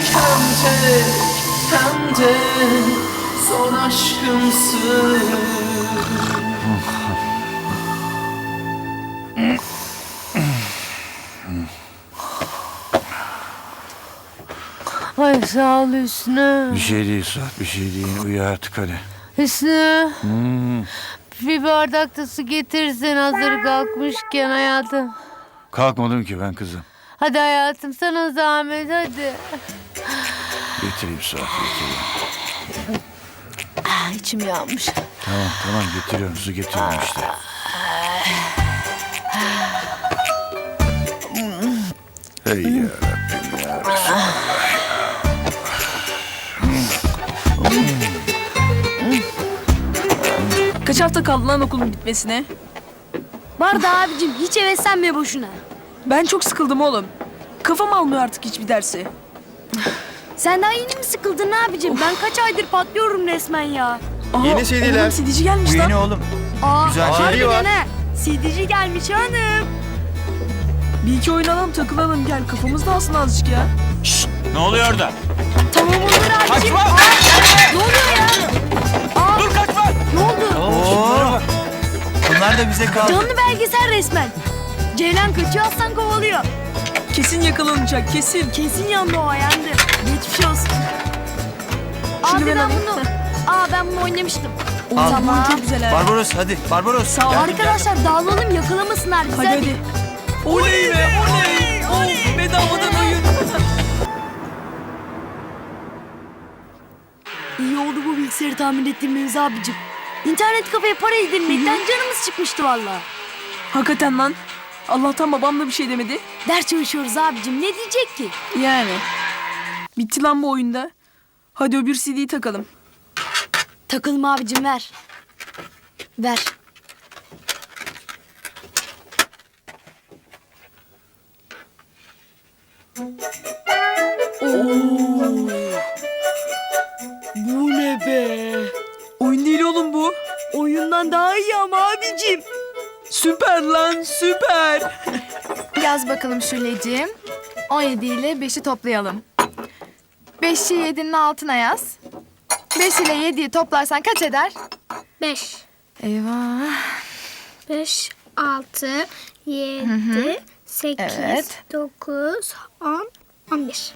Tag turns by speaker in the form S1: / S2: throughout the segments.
S1: hem de son aşkımsın.
S2: Ay sağ ol Hüsnü.
S3: Bir şey değil Suat, bir şey değil. Uyu artık hadi.
S2: Hüsnü. Bir bardak da su getirsen hazır kalkmışken hayatım.
S3: Kalkmadım ki ben kızım.
S2: Hadi hayatım sana zahmet hadi.
S3: Getireyim Suat, getireyim.
S2: İçim yanmış.
S3: Tamam getiriyorum, su getiriyorum işte. Hey yarabbim ya Resulallah.
S4: Kaç hafta kaldı lan okulun bitmesine?
S5: Var da abicim hiç heveslenme boşuna.
S4: Ben çok sıkıldım oğlum. Kafam almıyor artık hiçbir dersi.
S5: Sen daha yeni mi sıkıldın abicim? Ben kaç aydır patlıyorum resmen ya.
S4: Aha,
S6: Yeni CD'ler.
S4: Oğlum CD'ci gelmiş
S6: Bu
S4: lan.
S6: yeni oğlum.
S5: Aa,
S6: Güzel
S5: harbiden
S6: CD var.
S5: ha. CD'ci gelmiş hanım.
S4: Bir iki oynayalım takılalım gel kafamız dağılsın azıcık ya.
S6: Ne oluyor orada?
S5: Tamam olur abicim.
S6: Kaçma!
S5: Ne oluyor ya?
S6: Dur kaçma!
S5: Ne oldu?
S6: Oo. Bunlar da bize kaldı.
S5: Canlı belgesel resmen. Ceylan kaçıyor aslan kovalıyor.
S4: Kesin yakalanacak kesin.
S5: Kesin yandı o yandı. Geçmiş olsun.
S4: Şunu
S5: Abi
S4: ben
S5: ben
S4: alayım.
S5: bunu... ben bunu oynamıştım.
S4: Al.
S5: Tamam.
S4: Çok güzel ha.
S6: Barbaros hadi. Barbaros.
S4: Sağ ol.
S5: Arkadaşlar dağılalım yakalamasınlar bizi
S4: Hadi hadi. Oley be oley. Oh, bedavadan oyun.
S5: İyi oldu bu bilgisayarı tamir ettirmemiz abicim. İnternet kafeye para yedirmekten canımız çıkmıştı valla.
S4: Hakikaten lan. Allah'tan babam da bir şey demedi.
S5: Ders çalışıyoruz abicim ne diyecek ki?
S4: Yani. Bitti lan bu oyunda. Hadi öbür CD'yi takalım.
S5: Takılma abicim ver. Ver. Oo. Bu ne be?
S4: Oyun değil oğlum bu.
S5: Oyundan daha iyi ama abicim.
S4: Süper lan süper.
S7: Yaz bakalım Şuleciğim. 17 ile 5'i toplayalım. 5'i 7'nin altına yaz. 5 ile 7'yi toplarsan kaç eder?
S8: 5,
S7: Eyvah.
S8: 5, 6, 7, 8,
S7: Evet.
S8: 9, 10, 11.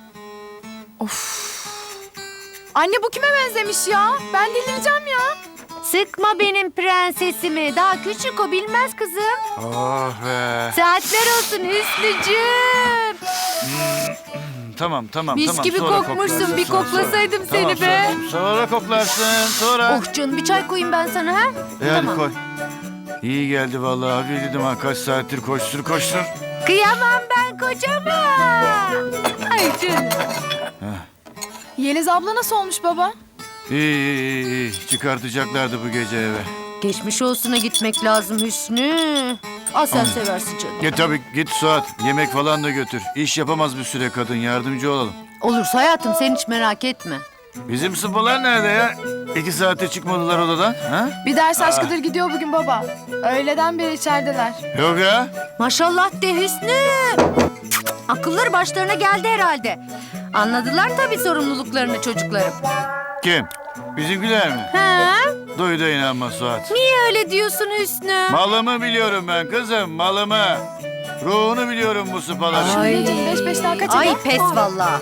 S7: Anne bu kime benzemiş ya? Ben delireceğim ya.
S2: Sıkma benim prensesimi. Daha küçük o bilmez kızım.
S3: Oh be.
S2: Saatler olsun Hüsnücüğüm.
S3: Tamam.
S7: Mis gibi
S3: sonra
S7: kokmuşsun.
S3: koklarsın,
S7: Bir
S3: sonra.
S7: koklasaydım
S3: Tamam,
S7: seni be.
S3: Sonra koklarsın, sonra.
S2: Oh canım bir çay koyayım ben sana ha.
S3: Hadi koy. İyi geldi vallahi. Abi dedim ha kaç saattir koştur.
S2: Kıyamam ben kocama. Ay canım.
S7: Yeliz abla nasıl olmuş baba?
S3: İyi. Çıkartacaklardı bu gece eve.
S2: Geçmiş olsuna gitmek lazım Hüsnü. Aa sen seversin canım.
S3: Tabii git Suat. Yemek falan da götür. İş yapamaz bir süre kadın. Yardımcı olalım.
S2: Olursa hayatım sen hiç merak etme.
S3: Bizim sıpalar nerede ya? 2 saate çıkmadılar odadan. Ha?
S7: Bir ders aşkıdır gidiyor bugün baba. Öğleden beri içerideler.
S3: Yok ya.
S2: Maşallah de Hüsnü. Akılları başlarına geldi herhalde. Anladılar tabii sorumluluklarını çocuklarım.
S3: Kim? Bizimkiler mi?
S2: Ha?
S3: Duy da inanma Suat.
S2: Niye öyle diyorsun Hüsnü?
S3: Malımı biliyorum ben kızım, malımı. Ruhunu biliyorum bu sıpaların.
S2: Ay.
S7: 5 daha kaç
S2: Ay
S7: eder?
S2: pes vallahi.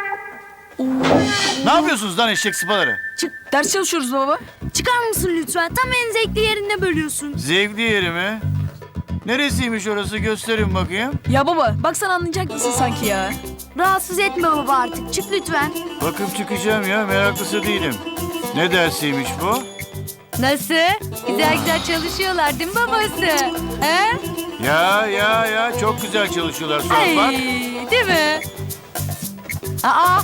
S3: Ne yapıyorsunuz lan eşek sıpaları?
S4: Çık ders çalışıyoruz baba.
S5: Çıkar mısın lütfen? Tam en zevkli yerinde bölüyorsun.
S3: Zevkli yeri mi? Neresiymiş orası gösterin bakayım.
S4: Ya baba bak sen anlayacak mısın sanki ya?
S5: Rahatsız etme baba artık. Çık lütfen.
S3: Bakıp çıkacağım ya, meraklısı değilim. Ne dersiymiş bu?
S2: Nasıl? Güzel çalışıyorlar değil mi babası? He?
S3: Ya çok güzel çalışıyorlar Suat
S2: Ay,
S3: bak.
S2: değil mi? Aa,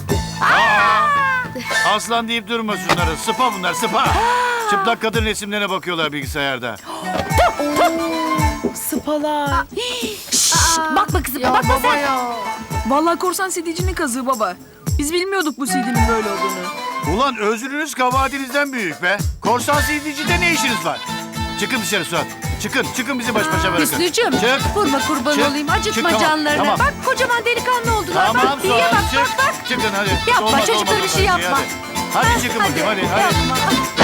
S3: Aslan deyip durma şunları, sıpa bunlar sıpa. Çıplak kadın resimlerine bakıyorlar bilgisayarda.
S7: Sıpalar.
S2: bakma kızım
S7: Ya
S2: bakma
S7: baba
S2: sen.
S7: ya.
S4: Vallahi korsan CD'cinin kazığı baba. Biz bilmiyorduk bu CD'nin böyle olduğunu.
S3: Ulan özrünüz kabahatinizden büyük be. Korsan CD'cide ne işiniz var? Çıkın dışarı Suat. Çıkın bizi baş başa bırakın.
S2: Hüsnücüğüm
S3: Çık.
S2: vurma kurban
S3: Çık.
S2: olayım acıtma
S3: Çık, tamam,
S2: canlarını.
S3: tamam.
S2: Bak kocaman delikanlı oldular.
S3: Tamam
S2: bak diye
S3: Suat,
S2: bak
S3: çık.
S2: bak bak.
S3: Çıkın hadi.
S2: Yapma,
S3: Olmaz,
S2: çocuklara
S3: olmaz,
S2: bir şey
S3: olmaz.
S2: yapma.
S3: Hadi çıkın bakayım hadi.
S2: Yapma.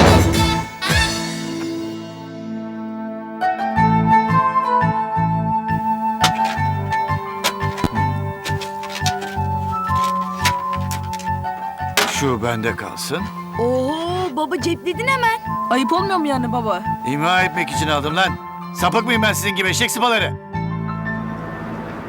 S3: Şu bende kalsın.
S5: Oo baba cepledin hemen.
S4: Ayıp olmuyor mu yani baba?
S3: İmha etmek için aldım lan. Sapık mıyım ben sizin gibi eşek sıpaları?